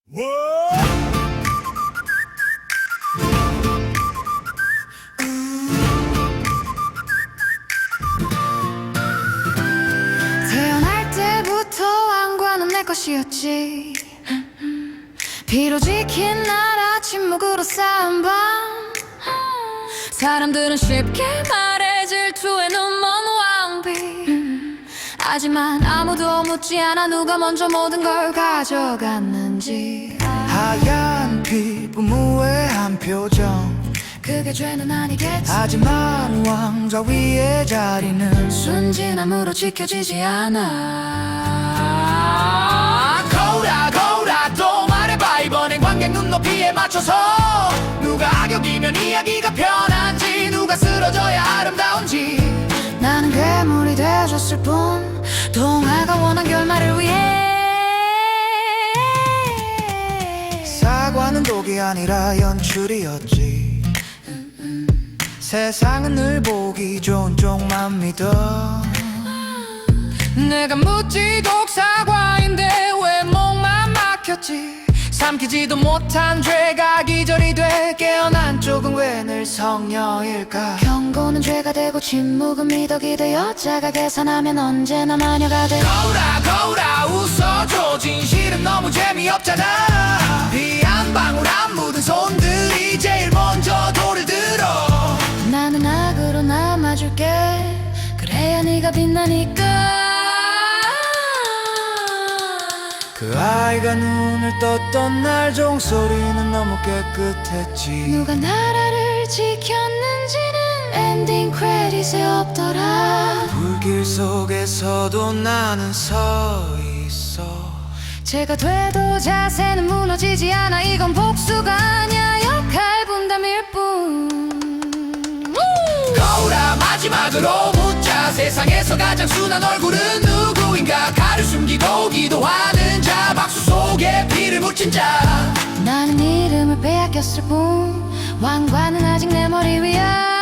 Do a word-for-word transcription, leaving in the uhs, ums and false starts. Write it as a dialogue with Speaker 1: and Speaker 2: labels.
Speaker 1: 태어날 때부터 왕관은 내 것이었지. 비로 지킨 나라 침묵으로 쌓은 밤. 사람들은 쉽게 말해 질투에 눈먼 왕비. 하지만 아무도 묻지 않아 누가 먼저 모든 걸 가져갔는지.
Speaker 2: 하얀 피부 무해한 표정,
Speaker 1: 그게 죄는 아니겠지.
Speaker 2: 하지만 왕좌 위의 자리는
Speaker 1: 순진함으로 지켜지지 않아.
Speaker 2: 거울아 거울아 또 말해봐. 이번엔 관객 눈높이에 맞춰서 누가 악역이면 이야기가 편한지, 누가 쓰러져야 아름다운지.
Speaker 1: 나는 괴물이 되어줬을 뿐, 동화가 원한 결말을 위해.
Speaker 2: 사과는 독이 아니라 연출이었지. 세상은 늘 보기 좋은 쪽만 믿어.
Speaker 1: 내가 무지곡 사과인데 왜 목만 막혔지.
Speaker 2: 삼키지도 못한 죄가 기절이 돼 깨어난 쪽은 왜 늘 성녀일까.
Speaker 1: 경고는 죄가 되고 침묵은 미덕이 돼. 여자가 계산하면 언제나 마녀가 돼.
Speaker 2: 거울아 거울아 웃어줘. 진실은 너무 재미없잖아. 비 한 방울 안 묻은 손들이 제일 먼저 돌을 들어.
Speaker 1: 나는 악으로 남아줄게. 그래야 네가 빛나니까.
Speaker 2: 그 아이가 눈을 떴던 날 종소리는 너무 깨끗했지.
Speaker 1: 누가 나라를 지켰는지는 엔딩 크레딧에 없더라.
Speaker 2: 불길 속에서도 나는 서 있어.
Speaker 1: 죄가 돼도 자세는 무너지지 않아. 이건 복수가 아니야, 역할 분담일 뿐.
Speaker 2: 거울아 마지막으로 묻자. 세상에서 가장 순한 얼굴은 누구인가. 칼을 숨기고 기도하는 자, 박수 속에 피를 묻힌 자.
Speaker 1: 나는 이름을 빼앗겼을 뿐, 왕관은 아직 내 머리 위야.